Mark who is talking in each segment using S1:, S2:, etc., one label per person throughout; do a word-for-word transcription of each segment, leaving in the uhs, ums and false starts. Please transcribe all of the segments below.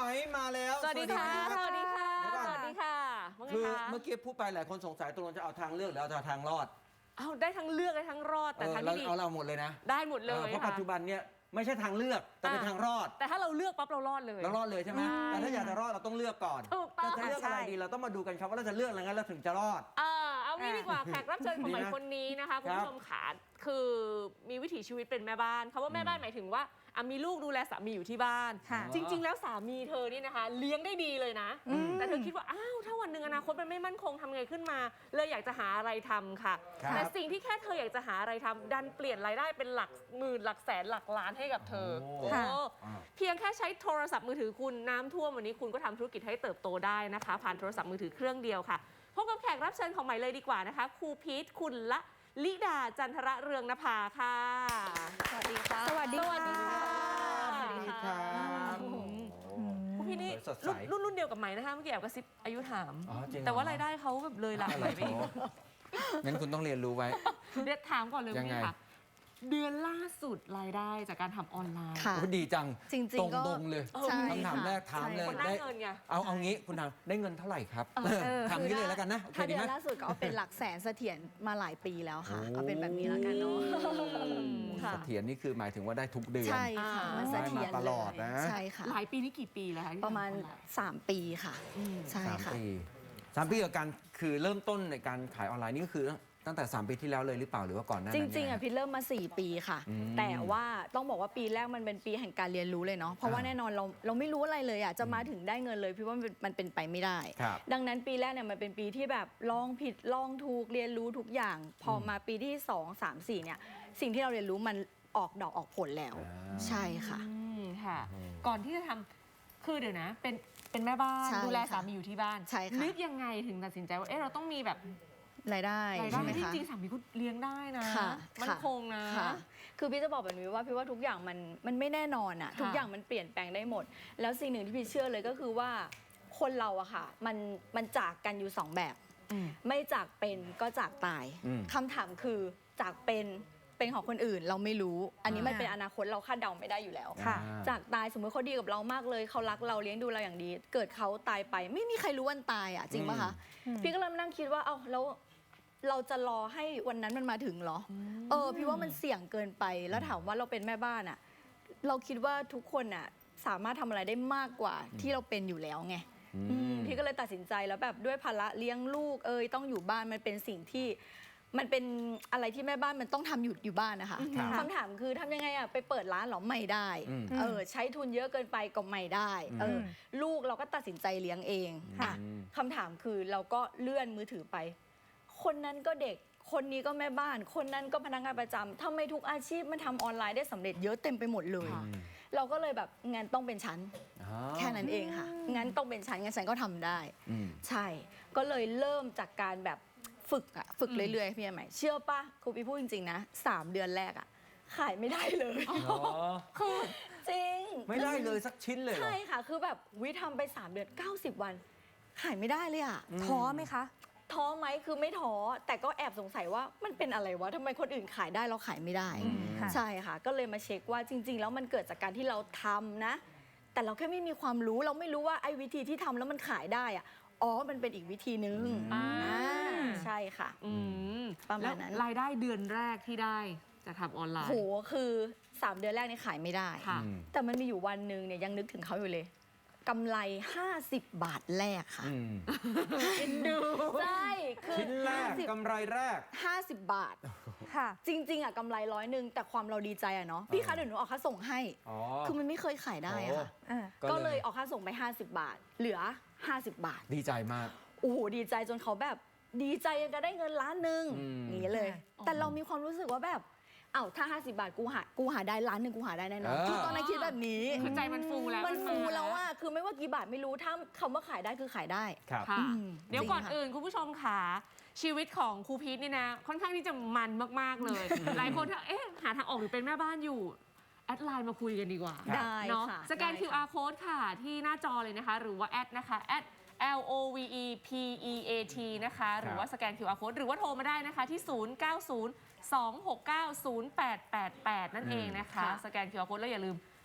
S1: อยมาแล้ว
S2: สวัสดีค่ะสวัสดีค่ะสวัสดีค่ะ
S1: คือเมื่อกี้พูดไปหลายคนสงสัยตกลงจะเอาทางเลือกหรือเอาทางรอด
S2: เอาได้ทั้งเลือกได้ทั้งรอดแต่ทางที่ดี
S1: เอาเราหมดเลยนะ
S2: ได้หมดเลย
S1: เพราะปัจจุบันเนี่ยไม่ใช่ทางเลือกแต่เป็นทางรอด
S2: แต่ถ้าเราเลือกปั๊บเรารอดเลย
S1: เรารอดเลยใช่ไหมแต่ถ้าอยากจะรอดเราต้องเลือกก่อนแต่จะเลือกอะไรดีเราต้องมาดูกันครับว่าเราจะเลือกอะไรงั้นเราถึงจะรอด
S2: เออเอางี้ดีกว่าแขกรับเชิญของใหม่คนนี้นะคะคุณผู้ชมขาคือมีวิถีชีวิตเป็นแม่บ้านคำว่าแม่บ้านหมายถึงว่ามีลูกดูแลสามีอยู่ที่บ้านจริงๆแล้วสามีเธอนี่นะคะเลี้ยงได้ดีเลยนะแต่เธอคิดว่าอ้าวถ้าวันหนึ่งอนาคตมันไม่มั่นคงทำไงขึ้นมาเลยอยากจะหาอะไรทำค่ะแต่สิ่งที่แค่เธออยากจะหาอะไรทำดันเปลี่ยนรายได้เป็นหลักหมื่นหลักแสนหลักล้านให้กับเธอเพียงแค่ใช้โทรศัพท์มือถือคุณน้ำท่วมวันนี้คุณก็ทำธุรกิจให้เติบโตได้นะคะผ่านโทรศัพท์มือถือเครื่องเดียวค่ะพบกับแขกรับเชิญของใหม่เลยดีกว่านะคะครูพีทคุณละลิดาจันทระเรืองนภาค่ะ
S3: สวัสดีค่ะ
S2: สวัสดีค่ะ
S1: สวัสดีค่ะ
S2: ครูพีทนี่รุ่นรุ่นเดียวกับใหม่นะคะเมื่อกี้แอบกระซิบอายุถามแต่ว่ารายได้เขาแบบเลยหลักเลยไปอีก
S1: งั้นคุณต้องเรียนรู้ไว้
S2: เดี๋ยวถามก่อนเลยพี่ค่ะเดือนล่าสุดรายได้จากการทำออนไลน์
S1: ดีจัง
S3: จริง
S1: ๆตรงๆเลยคำถามแรกถามเลย
S2: ได้เงินไง
S1: เอาเอางี้คุณทำได้เงินเท่าไหร่ครับถามนี้เลยแล้วกันนะ
S3: ถ้าเดือนล่าสุดก็เอาเป็นหลักแสนเสถียรมาหลายปีแล้วค่ะเอาเป็นแบบนี้แล้วกันเนาะ
S1: เสถียรนี่คือหมายถึงว่าได้ทุกเดือน
S3: ใช่ค่ะมันเสถียร
S1: ตลอดนะ
S3: ใช่ค่ะ
S2: หลายปีนี่กี่ปีแล้วคะ
S3: ประมาณสามปีค่ะใช่ค่ะ
S1: สามปีกับการคือเริ่มต้นในการขายออนไลน์นี่ก็คือตั้งแต่สามปีที่แล้วเลยหรือเปล่าหรือว่าก่อนหน้านั้น
S3: จริงๆอ่ะพี่เริ่มมาสี่ปีค่ะแต่ว่าต้องบอกว่าปีแรกมันเป็นปีแห่งการเรียนรู้เลยเนาะเพราะว่าแน่นอนเราเราไม่รู้อะไรเลยอ่ะจะมาถึงได้เงินเลยพี่ว่ามันเป็นไปไม่ได้ดังนั้นปีแรกเนี่ยมันเป็นปีที่แบบลองผิดลองถูกเรียนรู้ทุกอย่างพอมาปีที่สองสามสี่เนี่ยสิ่งที่เราเรียนรู้มันออกดอกออกผลแล้วใช่ค่ะ
S2: ค่ะก่อนที่จะทำคือเดี๋ยวนะเป็นเป็นแม่บ้านดูแลสามีอยู่ที่บ้านนึกยังไงถึงตัดสินใจว่าเอ๊ะเราต้องมีแบบ
S3: รายได้
S2: ใช่ไหมคะจริงๆสามีก็เลี้ยงได้นะมันคงนะ
S3: คือพี่จะบอกแบบนี้ว่าพี่ว่าทุกอย่างมันมันไม่แน่นอนอะทุกอย่างมันเปลี่ยนแปลงได้หมดแล้วสิ่งหนึ่งที่พี่เชื่อเลยก็คือว่าคนเราอะค่ะมันมันจากกันอยู่สองแบบไม่จากเป็นก็จากตายคำถามคือจากเป็นเป็นของคนอื่นเราไม่รู้อันนี้มันเป็นอนาคตเราคาดเดาไม่ได้อยู่แล้วจากตายสมมติเขาดีกับเรามากเลยเขารักเราเลี้ยงดูเราอย่างดีเกิดเขาตายไปไม่มีใครรู้วันตายอะจริงป่ะคะพี่ก็เริ่มนั่งคิดว่าเอ้าแล้วเราจะรอให้วันนั้นมันมาถึงเหรอเออพี่ว่ามันเสี่ยงเกินไปแล้วถามว่าเราเป็นแม่บ้านอะเราคิดว่าทุกคนอะสามารถทำอะไรได้มากกว่าที่เราเป็นอยู่แล้วไงพี่ก็เลยตัดสินใจแล้วแบบด้วยภาระเลี้ยงลูกเอ้ยต้องอยู่บ้านมันเป็นสิ่งที่มันเป็นอะไรที่แม่บ้านมันต้องทำอยู่อยู่บ้านนะคะคำถามคือทำยังไงอะไปเปิดร้านหรอไม่ได้เออใช้ทุนเยอะเกินไปก็ไม่ได้เออลูกเราก็ตัดสินใจเลี้ยงเองคำถามคือเราก็เลื่อนมือถือไปคนนั้นก็เด็กคนนี้ก็แม่บ้านคนนั้นก็พนักงานประจำทำไมทุกอาชีพมันทำออนไลน์ได้สำเร็จเยอะเต็มไปหมดเลยเราก็เลยแบบงั้นต้องเป็นฉันแค่นั้นเองค่ะงั้นต้องเป็นฉันงั้นฉันก็ทำได้ใช่ก็เลยเริ่มจากการแบบฝึกอะฝึกเรื่อยๆพี่ใหม่เชื่อป่ะครูพี่พูดจริงๆนะสามเดือนแรกอะขายไม่ได้เลยคือจริง
S1: ไม่ได้เลยสักชิ้นเลย
S3: ใช่ค่ะคือแบบวิทำไปสามเดือนเก้าสิบวันขายไม่ได้เลยอะ
S2: ท้อไหมคะ
S3: ท้อไหมคือไม่ท้อแต่ก็แอบสงสัยว่ามันเป็นอะไรวะทำไมคนอื่นขายได้เราขายไม่ได้ใช่ค่ะก็เลยมาเช็คว่าจริงๆแล้วมันเกิดจากการที่เราทำนะแต่เราแค่ไม่มีความรู้เราไม่รู้ว่าไอ้วิธีที่ทำแล้วมันขายได้อะอ๋อมันเป็นอีกวิธีนึงใช่ค่ะประมาณนั้น
S2: รายได้เดือนแรกที่ได้จะทำออนไลน์
S3: โหคือสามเดือนแรกนี่ขายไม่ได้แต่มันมีอยู่วันหนึ่งเนี่ยยังนึกถึงเขาอยู่เลยกำไรห้าสิบบาทแรกค่ะ
S2: กินดู
S3: ใช่คือ
S1: ชิ้นแรกกำไรแรก
S3: ห้าสิบบาทค่ะจริงๆอ่ะกำไรร้อยหนึ่งแต่ความเราดีใจอ่ะเนาะพี่คะเดี๋ยวหนูออกค่าส่งให้คือมันไม่เคยขายได้อะค่ะก็เลยออกค่าส่งไปห้าสิบบาทเหลือห้าสิบบาท
S1: ดีใจมาก
S3: โอ้โหดีใจจนเขาแบบดีใจยังจะได้เงินล้านหนึ่งอย่างนี้เลยแต่เรามีความรู้สึกว่าแบบเอ้าถ้าห้าสิบบาทกูหากูหาได้ล้านหนึ่งกูหาได้แน่นอนคือตอนนั้นคิดแบบนี้
S2: คือใจมันฟูแล้ว
S3: มันฟูแล้วว่าคือไม่ว่ากี่บาทไม่รู้ถ้าคำว่าขายได้คือขายได้
S2: ค่ะเดี๋ยวก่อนอื่นคุณผู้ชมค่ะชีวิตของครูพีทนี่นะค่อนข้างที่จะมันมากๆเลยหลายคนถ้าเอ๊ะหาทางออกหรือเป็นแม่บ้านอยู่แอดไลน์มาคุยกันดีกว่า
S3: ได้
S2: เนาะสแกน คิว อาร์ Code ค่ะที่หน้าจอเลยนะคะหรือว่าแอดนะคะแอดL O V E P E A T นะคะหรือว่าสแกน คิว อาร์ Code หรือว่าโทรมาได้นะคะที่ศูนย์ เก้า ศูนย์ สอง หก เก้า ศูนย์ แปด แปด แปดนั่นเองนะคะสแกน คิว อาร์ Code แล้วอย่าลืม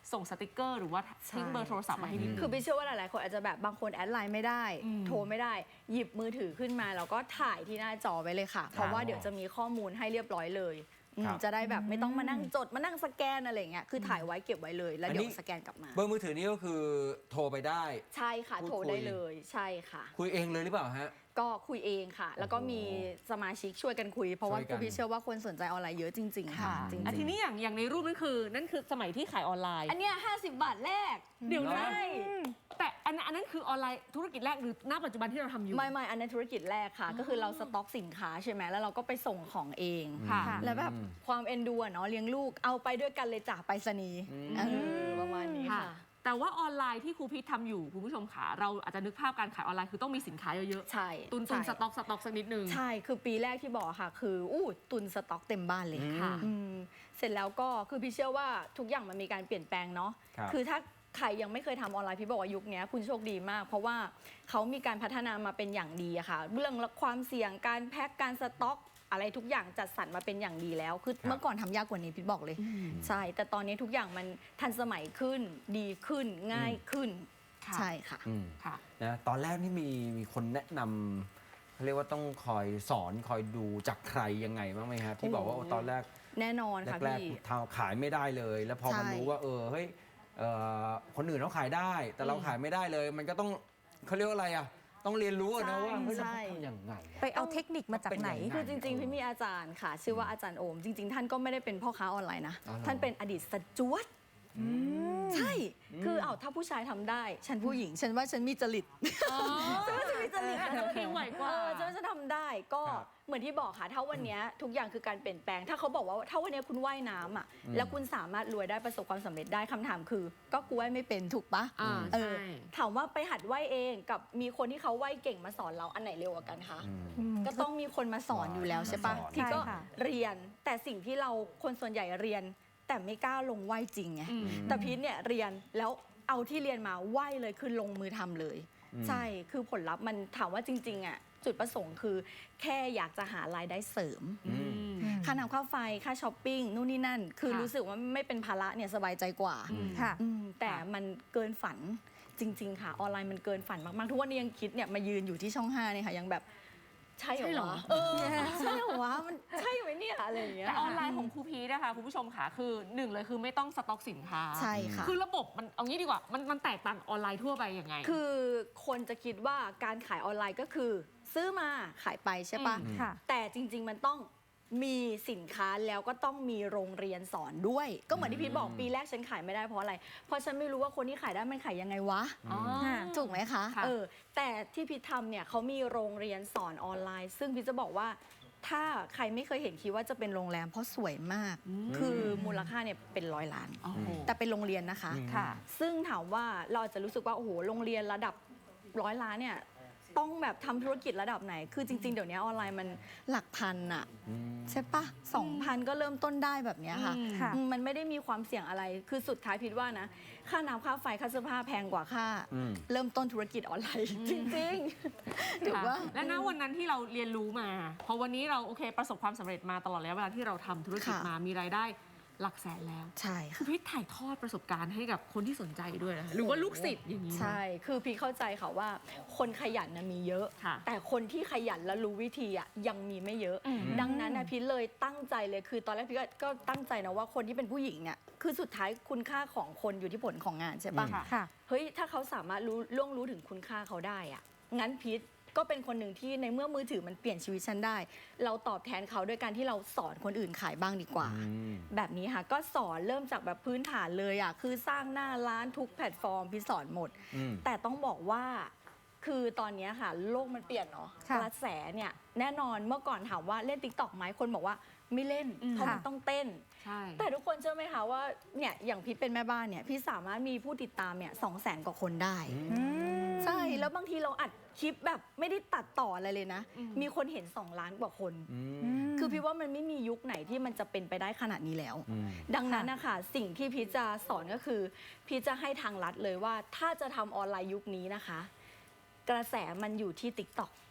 S2: ส่งสติกเกอร์หรือว่าทิ้งเบอร์โทรศัพท์มาให้นิดนึง
S3: คือพี่เชื่อว่าหลายๆคนอาจจะแบบบางคนแอดไลน์ไม่ได้
S2: อืม
S3: โทรไม่ได้ หยิบมือถือขึ้นมาแล้วก็ถ่ายที่หน้าจอไว้เลยค่ะ เพราะว่าเดี๋ยวจะมีข้อมูลให้เรียบร้อยเลยอืม
S1: ครับ
S3: จะได้แบบไม่ต้องมานั่งจดมานั่งสแกนอะไรอย่างเงี้ยคือถ่ายไว้เก็บไว้เลย แล้ว
S1: อัน
S3: เดี๋
S1: นี้
S3: ยวสแกนกลับมา
S1: เบอร์มือถือนี่ก็คือโทรไปได้
S3: ใช่ค่ะ
S1: พูด
S3: โทร
S1: คุย
S3: ได้เลยใช่ค่ะ
S1: คุยเองเลยหรือเปล่าฮะ
S3: ก็คุยเองค่ะ แล้วก็มีสมาชิกช่วยกันคุย เพราะว่า
S1: ช่วยกัน
S3: พี่เชื่อว่าคนสนใจออนไลน์เยอะจริง ๆ ค่ะ จริง
S2: อ่ะทีนี้อย่างอย่างในรูปนั่นคือนั่นคือสมัยที่ขายออนไลน์
S3: ๆอันเนี้ยห้าสิบบาทแรก
S2: เดี๋ยวนะ
S3: ใช่
S2: แต่อันนั้นอันนั้นคือออนไลน์ธุรกิจแรกหรือณปัจจุบันที่เราทำอยู่
S3: ไม่ไม่อันนั้นธุรกิจแรกค่ะ ก็คือเราสต็อกสินค้าใช่ไหมแล้วเราก็ไปส่งของเอง
S2: ค่ะ
S3: แล้วแบบความเอ็นดูอะเนาะเลี้ยงลูกเอาไปด้วยกันเลยจากไปรษณีย์
S1: อืม
S3: เออประมาณนี้
S2: ค่ะ
S3: ค่ะ
S2: แต่ว่าออนไลน์ที่ครูพิษทำอยู่คุณผู้ชมขาเราอาจจะนึกภาพการขายออนไลน์คือต้องมีสินค้าเยอะ
S3: ใช่
S2: ๆตุนตุน
S3: ใช่
S2: สต็อกสต็อกสักนิดนึง
S3: ใช่คือปีแรกที่บอกค่ะ คืออู้ตุนสต็อกเต็มบ้านเลย
S2: ค่ะ
S3: อืมเสร็จแล้วก็คือพี่เชื่อว่าทุกอย่างมันมีการเปลี่ยนแปลงเนาะ
S1: ครับ
S3: คือถ้าใครยังไม่เคยทำออนไลน์พี่บอกว่ายุคนี้คุณโชคดีมาก เพราะว่าเขามีการพัฒนามาเป็นอย่างดีอะค่ะ เรื่องความเสี่ยงการแพ็คการสต็อก อะไรทุกอย่างจัดสรรมาเป็นอย่างดีแล้ว คือ
S1: ครับ
S3: เมื่อก่อนทำยากกว่านี้พี่บอกเลย ใช่ แต่ตอนนี้ทุกอย่างมันทันสมัยขึ้น ดีขึ้น ง่ายขึ้น
S2: ค่ะ
S3: ใช่ค่ะ
S1: อืม
S2: ค่ะ
S1: นะตอนแรกนี่มีมีคนแนะนำเขาเรียกว่าต้องคอยสอนคอยดูจากใครยังไงบ้างไหมครับที่บอกว่า
S3: โอ้
S1: โอ้ตอนแรก
S3: แน่นอนค่ะ
S1: แรก
S3: พี่
S1: ๆทำขายไม่ได้เลย แล้วพอ
S3: ใช่
S1: มันรู้ว่าเออเฮ้ยเอ่อคนอื่นเขาขายได้ แต่เรา
S3: อืม
S1: ขายไม่ได้เลย มันก็ต้องเขาเรียกว่าอะไรอ่ะต้องเรียนรู้อะนะว่าเฮ้ยเรา
S3: ใช่
S1: ทำยังไงอะ
S4: ไปเอาเทคนิคมาจากไหน
S1: เป็นยังไง
S3: คือจริงๆ พี่มีอาจารย์ค่ะ ชื่อว่าอาจารย์โอม จริง ๆ ท่านก็ไม่ได้เป็นพ่อค้าออนไลน์นะ
S1: อ๋อเหรอ
S3: ท่านเป็นอดีตสจวตใช่ คือเอาถ้าผู้ชายทำได้ ฉันผู้หญิง ฉันว่าฉันมีจริต
S2: อ๋อ
S3: ฉันว่าฉันมีจริต
S2: อาจจะผิวไหวกว่า
S3: เออฉันว่าฉันทำได้ก็
S1: ครับ
S3: เหมือนที่บอกค่ะ ถ้าวันเนี้ยทุกอย่างคือการเปลี่ยนแปลง ถ้าเขาบอกว่าถ้าวันเนี้ยคุณว่ายน้ำอ่ะ
S1: อืม
S3: แล้วคุณสามารถรวยได้ประสบความสำเร็จได้คำถามคือ ก็กูว่ายไม่เป็นถูกปะ
S2: อ่า
S3: เออ
S2: ใช่
S3: ถามว่าไปหัดว่ายเองกับมีคนที่เขาว่ายเก่งมาสอนเราอันไหนเร็วกว่ากันคะ
S1: อืม
S3: ก็ต้องมีคนมาสอนอยู่แล้วใช่ปะ
S1: มาสอน
S3: ที่ก็
S4: ใช่ค่ะ
S3: เรียนแต่สิ่งที่เราคนส่วนใหญ่เรียน แต่ไม่กล้าลงไหวจริงไง
S2: อืม
S3: แต่พีทเนี่ยเรียนแล้วเอาที่เรียนมาไหวเลยคือลงมือทำเลย
S1: อืม
S3: ใช่คือผลลัพธ์มันถามว่าจริงๆอ่ะจุดประสงค์คือแค่อยากจะหารายได้เสริม
S1: อืม
S3: ค่าน้ำค่าไฟค่าช้อปปิ้งนู่นนี่นั่น คือ
S2: ค่ะ
S3: รู้สึกว่าไม่เป็นภาระเนี่ยสบายใจกว่า
S2: อืม
S4: ค่ะ
S3: อืมแต่มันเกินฝันจริง ๆ ค่ะออนไลน์มันเกินฝันมากๆทุกวันนี้ยังคิดเนี่ยมายืนอยู่ที่ช่องห้าเนี่ยค่ะยังแบบใช่เหร
S2: ใช่เหร
S3: อ
S2: อ
S3: วะเออใช่เหรอวะมันใช่ไหมเนี่ยอะไรอย่างเงี้ย
S2: แต่ออนไลน์ของครูพีชนะคะคุณผู้ชมค่ะคือหนึ่งเลยคือไม่ต้องสต็อกสินค้า
S3: ใช่ค่ะ
S2: คือระบบมันเอางี้ดีกว่ามันมันแตกต่างออนไลน์ทั่วไปยังไง
S3: คือคนจะคิดว่าการขายออนไลน์ก็คือ ซื้อมาขายไปใช่ปะ
S2: อืม
S4: ค่ะ
S3: แต่จริง ๆ มันต้องมีสินค้าแล้วก็ต้องมีโรงเรียนสอนด้วย ก็เหมือนที่พีทบอกปีแรกฉันขายไม่ได้เพราะอะไร เพราะฉันไม่รู้ว่าคนที่ขายได้มันขายยังไงวะ
S2: อ๋อ
S3: ถูกไหมคะ
S2: ค่ะ
S3: เออ แต่ที่พีททำเนี่ยเขามีโรงเรียนสอนออนไลน์ ซึ่งพีทจะบอกว่า ถ้าใครไม่เคยเห็นคิดว่าจะเป็นโรงแรมเพราะสวยมาก คือมูลค่าเนี่ยเป็นร้อยล้าน
S2: โอ้โห
S3: แต่เป็นโรงเรียนนะคะ
S1: อืม
S2: ค่ะ
S3: ซึ่งถามว่าเราอาจจะรู้สึกว่า โอ้โห โรงเรียนระดับร้อยล้านเนี่ย ต้องแบบทำธุรกิจระดับไหน คือจริง ๆ เดี๋ยวนี้ออนไลน์มันหลักพันอะใช่ปะสองพันก็เริ่มต้นได้แบบเนี้ยค่ะ
S2: อืม
S4: ค่ะ
S3: อืมมันไม่ได้มีความเสี่ยงอะไร คือสุดท้ายพิดว่านะ ค่าน้ำค่าไฟค่าเสื้อผ้าแพงกว่าค่า
S1: อืม
S3: เริ่มต้นธุรกิจออนไลน์ จริงๆถือว่า
S2: และณวันนั้นที่เราเรียนรู้มา พอวันนี้เราโอเคประสบความสำเร็จมาตลอดระยะเวลาที่เราทำธุรกิจ
S3: ค่ะ
S2: มามีรายได้หลักแสนแล้ว
S3: ใช่
S2: คือ
S3: ค่ะ
S2: พี่ถ่ายทอดประสบการณ์ให้กับคนที่สนใจด้วยนะหรือว่าลูกศิษย์อย่างนี้นะ
S3: ใช่ คือพี่เข้าใจค่ะว่า คนขยันนะมีเยอะ
S2: ค่ะ
S3: แต่คนที่ขยันและรู้วิธีอ่ะยังมีไม่เยอะ
S2: อืม
S3: ดังนั้นนะพี่เลยตั้งใจเลย คือตอนแรกพี่ก็ก็ตั้งใจนะว่าคนที่เป็นผู้หญิงเนี่ย คือสุดท้ายคุณค่าของคนอยู่ที่ผลของงานใช่ปะ
S2: ค่ะ
S4: ค่ะ
S3: เฮ้ย ถ้าเขาสามารถรู้ล่วงรู้ถึงคุณค่าเขาได้อะงั้นพีทก็เป็นคนหนึ่งที่ในเมื่อมือถือมันเปลี่ยนชีวิตฉันได้ เราตอบแทนเขาด้วยการที่เราสอนคนอื่นขายบ้างดีกว่า
S1: อืม
S3: แบบนี้ค่ะ ก็สอนเริ่มจากแบบพื้นฐานเลยอ่ะ คือสร้างหน้าร้านทุกแพลตฟอร์มพี่สอนหมด
S1: อืม
S3: แต่ต้องบอกว่า คือตอนนี้ค่ะ โลกมันเปลี่ยนเนาะ
S4: ค่ะ
S3: กระแสเนี่ยแน่นอนเมื่อก่อนถามว่าเล่นติ๊กต็อกไหมคนบอกว่าไม่เล่น
S2: อืม
S3: เพราะมัน
S4: ค่ะ
S3: ต้องเต้น
S2: ใช่
S3: แต่ทุกคนเชื่อไหมคะว่าเนี่ยอย่างพี่เป็นแม่บ้านเนี่ยพี่สามารถมีผู้ติดตามเนี่ยสองแสนกว่าคนได้
S4: อืม
S3: ใช่ แล้วบางทีเราอัดคลิปแบบไม่ได้ตัดต่ออะไรเลยนะ
S2: อืม
S3: มีคนเห็นสองล้านกว่าคน
S1: อืม
S4: อืม
S3: คือพี่ว่ามันไม่มียุคไหนที่มันจะเป็นไปได้ขนาดนี้แล้ว
S1: อืม
S3: ดังนั้นนะคะสิ่งที่พี่จะสอนก็คือ พี่จะให้ทางลัดเลยว่าถ้าจะทำออนไลน์ยุคนี้นะคะ กระแสมันอยู่ที่ ติ๊กต็อก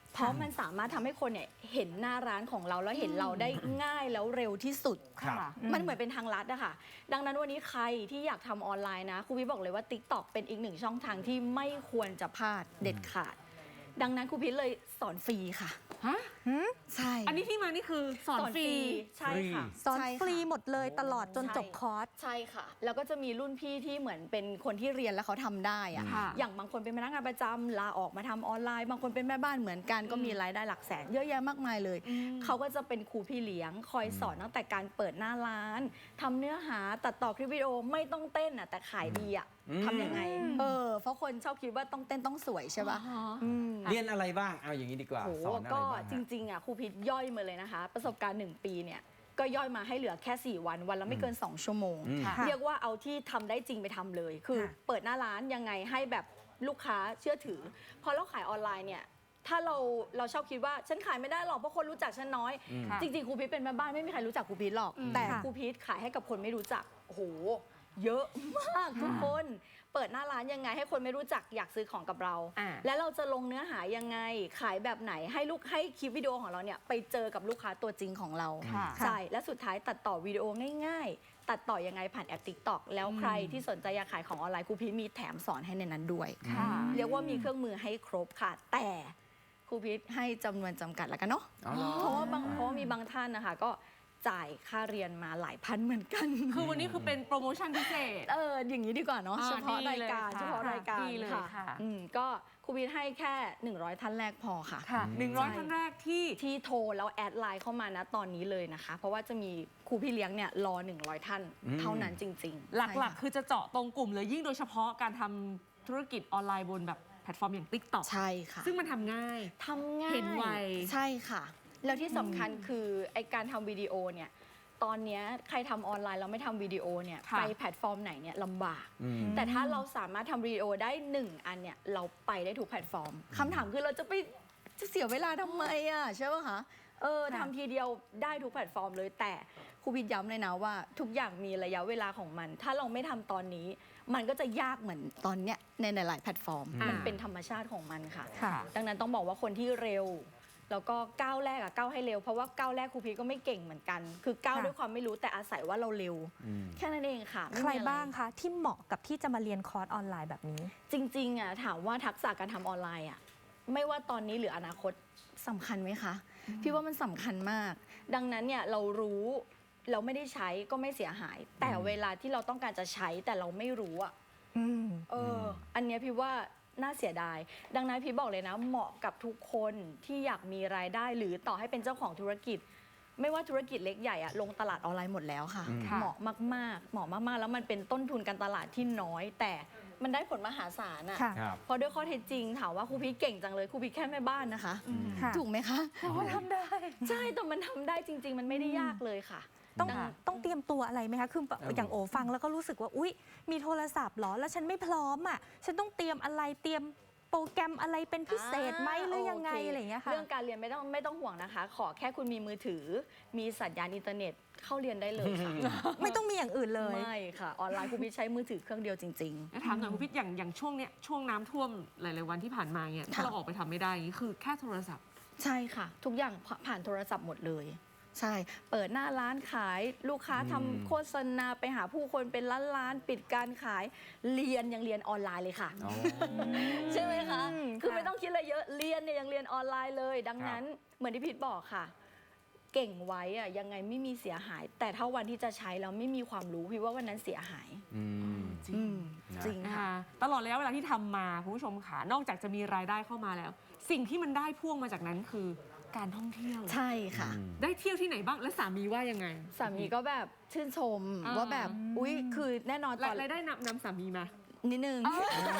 S3: เพราะมันสามารถทำให้คนเนี่ยเห็นหน้าร้านของเราแล้วเห็นเราได้ง่ายแล้วเร็วที่สุด
S1: ครับ
S3: มันเหมือนเป็นทางลัดอะค่ะ ดังนั้นวันนี้ใครที่อยากทำออนไลน์นะครูพีชบอกเลยว่า TikTok เป็นอีกหนึ่งช่องทางที่ไม่ควรจะพลาดเด็ดขาด ดังนั้นครูพีชเลยสอนฟรีค่ะ
S2: ฮะ
S3: ใช่
S2: อันนี้ที่มานี่คือสอนฟรี
S3: ใช่ค่ะ
S4: สอน
S3: ใช่
S4: ฟรีหมดเลยตลอดจน
S3: ใช่
S4: จบคอร์ส
S3: ใช่ค่ะ แล้วก็จะมีรุ่นพี่ที่เหมือนเป็นคนที่เรียนแล้วเขาทำได้อะ
S2: ค่ะ
S3: อย่างบางคนเป็นพนักงานประจำลาออกมาทำออนไลน์ บางคนเป็นแม่บ้านเหมือนกันก็มีรายได้หลักแสนเยอะแยะมากมายเลย เขาก็จะเป็นครูพี่เลี้ยง คอยสอนตั้งแต่การเปิดหน้าร้านทำเนื้อหาตัดต่อคลิปวิดีโอไม่ต้องเต้นอะแต่ขายดีอะ
S1: อืม
S3: ทำยังไง เออเพราะคนชอบคิดว่าต้องเต้นต้องสวยใช่ป่ะ
S2: อ๋อ
S3: อืม
S1: เรียนอะไรบ้างเอาอย่างนี้ดีกว่า
S3: โห
S1: สอนอะไร
S3: ก็
S1: บ้าง
S3: จ
S1: ฮะ
S3: ริงๆอ่ะครูพิษย่อยมาเลยนะคะ ประสบการณ์หนึ่งปีเนี่ยก็ย่อยมาให้เหลือแค่ สี่ วันวันละไม่เกิน สอง ชั่วโมง
S1: อืม
S4: ค่ะ
S3: เรียกว่าเอาที่ทำได้จริงไปทำเลย คือ
S4: ค่ะ
S3: เปิดหน้าร้านยังไงให้แบบลูกค้าเชื่อถือ พอเราขายออนไลน์เนี่ยถ้าเราเราชอบคิดว่าฉันขายไม่ได้หรอกเพราะคนรู้จักฉันน้อย
S1: อืม
S2: ค่ะ
S3: จริงๆครูพิษเป็นแม่บ้านไม่มีใครรู้จักครูพิษหรอก
S2: อืม
S3: แต่
S4: ค่ะ
S3: ครูพิษขายให้กับคนไม่รู้จักโอ้โหเยอะมากทุกคนเปิดหน้าร้านยังไงให้คนไม่รู้จักอยากซื้อของกับเรา
S2: อ่า
S3: แล้วเราจะลงเนื้อหายังไงขายแบบไหนให้ลูกให้คลิปวิดีโอของเราเนี่ยไปเจอกับลูกค้าตัวจริงของเรา
S2: ค่ะ
S3: ใช่และสุดท้ายตัดต่อวิดีโอง่ายๆ ตัดต่อยังไงผ่านแอป TikTok แล้วใครที่สนใจอยากขายของออนไลน์ครูพีชมีแถมสอนให้ในนั้นด้วย
S2: ค่ะ
S3: เรียกว่ามีเครื่องมือให้ครบค่ะ แต่ครูพีชให้จำนวนจำกัดแล้วกันเนาะ
S1: อ๋อเหรอ
S3: เพราะว่าบางเพราะว่ามีบางท่านนะคะก็จ่ายค่าเรียนมาหลายพันเหมือนกัน
S2: คือวันนี้คือเป็นโปรโมชั่นพิเศษ
S3: เอออย่างนี้ดีกว่าเนาะ
S2: อ่า
S3: เฉพาะ
S2: ดี
S3: ราย
S2: เลย
S3: การ
S2: ค่ะ
S3: เฉพาะรายการ
S2: ดีเลยค่ะ
S3: อืมก็ครูพีชให้แค่ หนึ่งร้อย ท่านแรกพอค่ะ
S2: ค่ะหนึ่งร้อย
S3: ใช่
S2: ท่านแรกที่
S3: ที่โทรแล้วแอดไลน์เข้ามานะตอนนี้เลยนะคะ เพราะว่าจะมีครูพี่เลี้ยงเนี่ยรอ หนึ่งร้อย ท่าน
S1: อืม
S3: เท่านั้นจริงๆ
S2: ห
S3: ใช่
S2: ลัก
S3: ค่ะ
S2: ๆ คือจะเจาะตรงกลุ่มเลยยิ่งโดยเฉพาะการทำธุรกิจออนไลน์บนแบบแพลตฟอร์มอย่าง TikTok
S3: ใช่ค่ะ
S2: ซึ่งมันทำง่าย
S3: ทำง่าย
S2: เห็นไว
S3: ใช่ค่ะ แล้วที่สำคัญคือไอการทำวิดีโอเนี่ยตอนเนี้ยใครทำออนไลน์เราไม่ทำวิดีโอเนี่ย
S2: ค่ะ
S3: ไปแพลตฟอร์มไหนเนี่ยลำบาก
S1: อืม
S3: แต่ถ้าเราสามารถทำวิดีโอได้หนึ่งอันเนี่ยเราไปได้ทุกแพลตฟอร์มคำถามคือเราจะไปจะเสียเวลาทำไมอ่ะใช่ป่ะคะเออ
S4: ค่ะ
S3: ทำทีเดียวได้ทุกแพลตฟอร์มเลยแต่ครูพิดย้ำเลยนะว่า ทุกอย่างมีระยะเวลาของมัน ถ้าเราไม่ทำตอนนี้ มันก็จะยากเหมือนตอนเนี้ยในหลายๆแพลตฟอร์ม
S2: อ่ามั
S3: มันเป็นธรรมชาติของมันค่ะ
S4: ค่ะ
S3: ดังนั้นต้องบอกว่าคนที่เร็ว แล้วก็ก้าวแรกอะก้าวให้เร็วเพราะว่าก้าวแรกครูพีชก็ไม่เก่งเหมือนกัน คือก้าว
S4: ค่ะ
S3: ด้วยความไม่รู้แต่อาศัยว่าเราเร็ว
S1: อืม
S3: แค่นั้นเองค่ะไม่
S4: ใคร
S3: มีอะไ
S4: บ้างคะที่เหมาะกับที่จะมาเรียนคอร์สออนไลน์แบบนี้
S3: จริงๆอะถามว่าทักษะการทำออนไลน์อะไม่ว่าตอนนี้หรืออนาคตสำคัญไหมคะ พี่ว่ามันสำคัญมาก ดังนั้นเนี่ยเรารู้เราไม่ได้ใช้ก็ไม่เสียหาย แต่เวลาที่เราต้องการจะใช้แต่เราไม่รู้อะ
S4: อืม
S3: เอออันเนี้ยพี่ว่าน่าเสียดาย ดังนั้นพี่บอกเลยนะ เหมาะกับทุกคนที่อยากมีรายได้ หรือต่อให้เป็นเจ้าของธุรกิจ ไม่ว่าธุรกิจเล็กใหญ่อะลงตลาดออนไลน์หมดแล้วค่ะ
S1: อืม
S3: เหมาะมากๆ เหมาะมากๆ แล้วมันเป็นต้นทุนการตลาดที่น้อย แต่มันได้ผลมหาศาลอะ
S4: ค่ะ
S1: ครับ
S3: เพราะด้วยข้อเท็จจริงถามว่าครูพีชเก่งจังเลยครูพีชแค่แม่บ้านนะคะ
S4: ค่ะ
S3: ถูกไหมคะ
S4: แต่ว่าทำได้
S3: ใช่แต่มันทำได้จริง ๆ มันไม่ได้ยากเลยค่ะ
S4: ต้อง
S3: ดัง
S4: ต้องเตรียมตัวอะไรไหมคะ คือแบบ
S1: เออ
S4: อ
S1: อย่าง
S4: โอฟังแล้วก็รู้สึกว่า อุ๊ย มีโทรศัพท์เหรอ แล้วฉันไม่พร้อมอ่ะ ฉันต้องเตรียมอะไร เตรียมโปรแกรมอะไรเป็นพิเศษไหมหรือยังไง
S3: โค
S4: อะไรอย่างเงี้ยค่ะ
S3: เรื่องการเรียนไม่ต้องไม่ต้องห่วงนะคะ ขอแค่คุณมีมือถือ มีสัญญาณอินเทอร์เน็ตเข้าเรียนได้เลยค่ะ
S4: ไม่ต้องมีอย่างอื่นเลย
S3: ไม่ค่ะ ออนไลน์ครูพีชใช้มือถือเครื่องเดียวจริง
S2: แล้วถามหน่อยคุณพิษอย่างอย่างช่วงเนี้ยช่วงน้ำท่วมหลาย ๆ วันที่ผ่านมาเนี่ย
S3: ค่ะ
S2: ถ้าเราออกไปทำไม่ได้อย่างนี้คือแค่โทรศัพท์
S3: ๆ ใช่ค่ะ ทุกอย่างผ่านโทรศัพท์หมดเลย ใช่ เปิดหน้าร้านขายลูกค้า
S1: อืม
S3: ทำโฆษณาไปหาผู้คนเป็นล้านล้านๆปิดการขายเรียนยังเรียนออนไลน์เลยค่ะ
S1: อ๋อ
S3: ใช่ไหมคะ
S4: อืม
S3: คือ
S4: ค่ะ
S3: ไม่ต้องคิดอะไรเยอะ เรียนเนี่ยยังเรียนออนไลน์เลย ดังนั้นเหมือนที่พีทบอกค่ะ เก่งไว้อะยังไงไม่มีเสียหาย แต่ถ้าวันที่จะใช้แล้วไม่มีความรู้พี่ว่าวันนั้นเสียหาย
S1: อืม
S2: จริง
S3: อืม
S1: นะ
S3: จริง
S2: นะ
S3: ค่ะ
S2: คะตลอดระยะเวลาที่ทำมาคุณผู้ชมค่ะนอกจากจะมีรายได้เข้ามาแล้ว สิ่งที่มันได้พ่วงมาจากนั้นคือการท่องเที่ยว
S3: ใช่ค่ะ
S1: อืม
S2: ได้เที่ยวที่ไหนบ้างและสามีว่ายังไง
S3: สามีก็แบบชื่นชม
S2: อ่า
S3: ว่าแบบอุ๊ยคือแน่นอนต
S2: รา
S3: อน
S2: รายได้นำนำสามีมา
S3: นิดนึง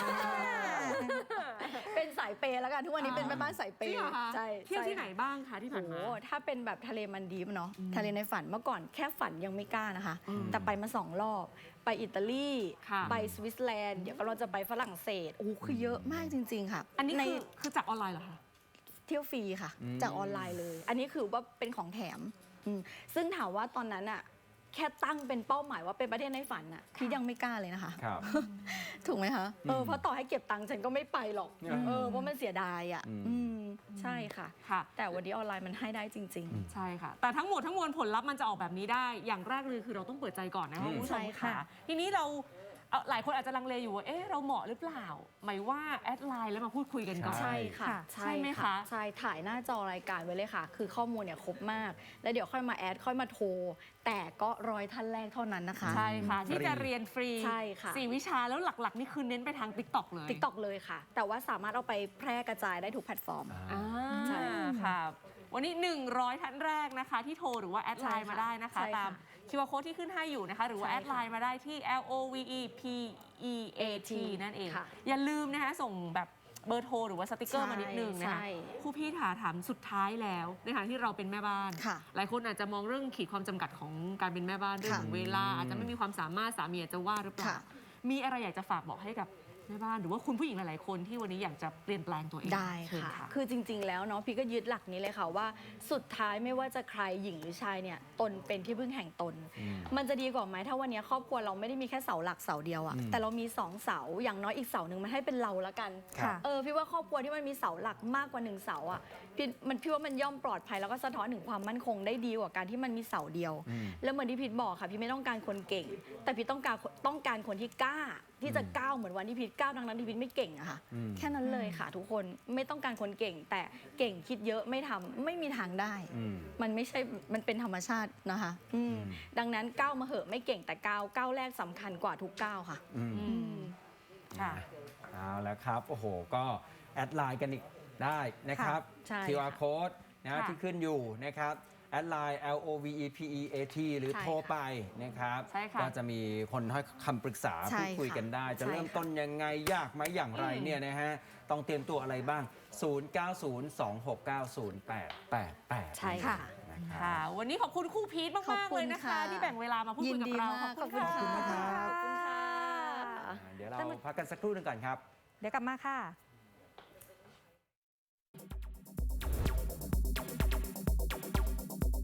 S3: เป็นสายเปย์แล้วกันทุกวันนี้เป็นแม่บ้านสายเป
S2: จริง
S3: ย์
S2: เหรอคะ
S3: ใช่
S2: เที่ยวที่
S3: ใช่
S2: ไหนบ้างคะที่ผ่านมา
S3: โอ้ถ้าเป็นแบบทะเลมันดีฟเนาะ
S2: อืม
S3: ทะเลในฝันเมื่อก่อนแค่ฝันยังไม่กล้านะคะ
S2: อืม
S3: แต่ไปมาสองรอบ ไปอิตาลี
S2: ค่ะ
S3: ไปสวิตเซอร์แลนด์เดี๋ยวก็เราจะไปฝรั่งเศสโอ้โหคือเยอะมากจริง ๆ ค่ะ
S2: อันนี้
S3: ใน
S2: คือคือจากออนไลน์เหรอคะ
S3: เที่ยวฟรีค่ะ
S1: อืม
S3: จากออนไลน์เลย อันนี้คือว่าเป็นของแถมอืมซึ่งถามว่าตอนนั้นอะแค่ตั้งเป็นเป้าหมายว่าเป็นประเทศในฝันน่ะพี่ยังไม่กล้าเลยนะคะ
S1: ครับ
S3: ถูกไหมคะเออ
S1: อืม
S3: เพราะต่อให้เก็บตังค์ฉันก็ไม่ไปหรอก
S1: อืม
S3: เออเพราะมันเสียดายอ่ะ
S1: อืม
S3: อืมใช่ค่ะ
S2: ค่ะ
S3: แต่วันนี้ออนไลน์มันให้ได้จริง
S2: ใช่ค่ะ แต่ทั้งหมดทั้งมวลผลลัพธ์มันจะออกแบบนี้ได้ อย่างแรกเลยคือเราต้องเปิดใจก่อนนะคะ
S1: อืม
S2: คุณผู้ช
S3: ใช่
S2: ม
S3: ค่ะ
S2: ค่ะ ทีนี้เราเอ่อหลายคนอาจจะลังเลอยู่ว่า เอ๊ะ เราเหมาะหรือเปล่า หมายว่าแอดไลน์แล้วมาพูดคุยกันก่อน
S3: ๆ ใช่ค่ะ
S2: ใช่ไหมคะ
S3: ใช่ถ่ายหน้าจอรายการไว้เลยค่ะ คือข้อมูลเนี่ยครบมาก แล้วเดี๋ยวค่อยมาแอดค่อยมาโทร แต่ก็ร้อยท่านแรกเท่านั้นนะคะ
S2: ใช่ค่ะ ที่จะเรียนฟรี
S3: ใช่ค่ะ
S2: สี่วิชาแล้วหลักๆ นี่คือเน้นไปทาง ติ๊กต็อก เลย
S3: ติ๊กต็อกเลยค่ะ แต่ว่าสามารถเอาไปแพร่กระจายได้ทุกแพลตฟอร์ม
S2: อ่า
S3: ใช่
S2: ค่ะ วันนี้ หนึ่งร้อย ท่านแรกนะคะ ที่โทรหรือว่าแอดไลน์
S3: ใช่ค่ะ
S2: มาได้นะคะ
S3: ใช่ค่ะ
S2: ตามคิวอาร์ code ที่ขึ้นให้อยู่นะคะ หรือว่า
S3: ใช่
S2: แอ
S3: ค่ะ
S2: ดไลน์มาได้ที่ L O V E P E A T นั่นเอง
S3: ค่ะ
S2: อย่าลืมนะคะส่งแบบเบอร์โทรหรือว่าสติกเกอร์มานิดนึงนะคะ
S3: ใช่
S2: ครูพี่ถาถามสุดท้ายแล้วในฐานะที่เราเป็นแม่บ้าน
S3: ค่ะ
S2: หลายคนอาจจะมองเรื่องขีดความจำกัดของการเป็นแม่บ้านเรื่องของเวลา อาจจะไม่มีความสามารถสามีอาจจะว่าหรือเปล่า
S3: ค่ะ
S2: มีอะไรอยากจะฝากบอกให้กับแม่บ้านหรือว่าคุณผู้หญิงหลายๆคนที่วันนี้อยากจะเปลี่ยนแปลงตัวเอง
S3: ได้
S2: เชิญ
S3: ค่ะ คือจริง ๆ แล้วเนาะพี่ก็ยึดหลักนี้เลยค่ะว่าสุดท้ายไม่ว่าจะใครหญิงหรือชายเนี่ยตนเป็นที่พึ่งแห่งตน
S1: อืม
S3: มันจะดีกว่าไหมถ้าวันนี้ครอบครัวเราไม่ได้มีแค่เสาหลักเสาเดียวอะ
S1: อืม
S3: แต่เรามีสองเสาอย่างน้อยอีกเสาหนึ่งมันให้เป็นเราละกัน
S1: ครับ
S3: เออพี่ว่าครอบครัวที่มันมีเสาหลักมากกว่าหนึ่งเสาอะพี่มันพี่ว่ามันย่อมปลอดภัยแล้วก็สะท้อนถึงความมั่นคงได้ดีกว่าการที่มันมีเสาเดียว
S1: อืม
S3: แล้วเหมือนที่พีทบอกค่ะพี่ไม่ต้องการคนเก่ง แต่พี่ต้องการต้องการคนที่กล้า ที่จะก้าวเหมือนวันที่พีทก้าวทั้งนั้นที่พีทไม่เก่งอะค่ะ
S1: อืม
S3: แค่นั้นเลยค่ะทุกคนไม่ต้องการคนเก่ง แต่เก่งคิดเยอะไม่ทำไม่มีทางได้
S1: อืม
S3: มันไม่ใช่มันเป็นธรรมชาตินะคะอืม
S1: อืม
S3: ดังนั้นก้าวมาเหอะไม่เก่งแต่ก้าวก้าวแรกสำคัญกว่าทุกก้าวค่ะ
S1: อืม
S2: อืมค่ะ
S1: เอาแล้วครับ โอ้โห ก็แอดไลน์กันอีกได้นะครับ
S3: ใช่ค่ะ
S1: คิว อาร์ code นะ
S2: ค่ะ
S1: ที่ขึ้นอยู่นะครับ แอดไลน์ L O V E P E A T หรือ
S3: ใช่ค่ะ
S1: โทรไปนะครับ
S2: ใช่ค่ะ
S1: ก็จะมีคนให้คำปรึกษา
S3: ใช่
S1: พูดคุยกันได้ จะ
S3: ใช่
S1: เริ่ม
S3: ค่ะ
S1: ต้นยังไง ยากไหมอย่างไร
S2: อืม
S1: เนี่ยนะฮะ ต้องเตรียมตัวอะไรบ้าง ศูนย์ เก้า ศูนย์ สอง หก เก้า ศูนย์ แปด แปด แปด
S3: ใช่ค่ะ
S1: นะครับ
S2: ค่ะ วันนี้ขอบคุณครูพีท
S3: ขอบ
S2: มาก ๆ
S3: คุ
S2: เล
S3: ณ
S2: ยนะคะ
S3: ค่ะ
S2: ที่แบ่งเวลามาพูด
S3: ยิ
S2: คุย
S3: น
S2: กับ
S3: ดี
S2: เรา
S3: มาก
S2: ขอบคุณ
S3: ขอบคุณ
S2: ค่ะ
S3: ค่ะ
S1: ขอบคุณครับ
S3: ขอบคุณค่ะ
S1: อ่าเดี๋ยวเราพักกันสักครู่หนึงก่อนครับ
S4: เดี๋ยวกลับมาค่ะ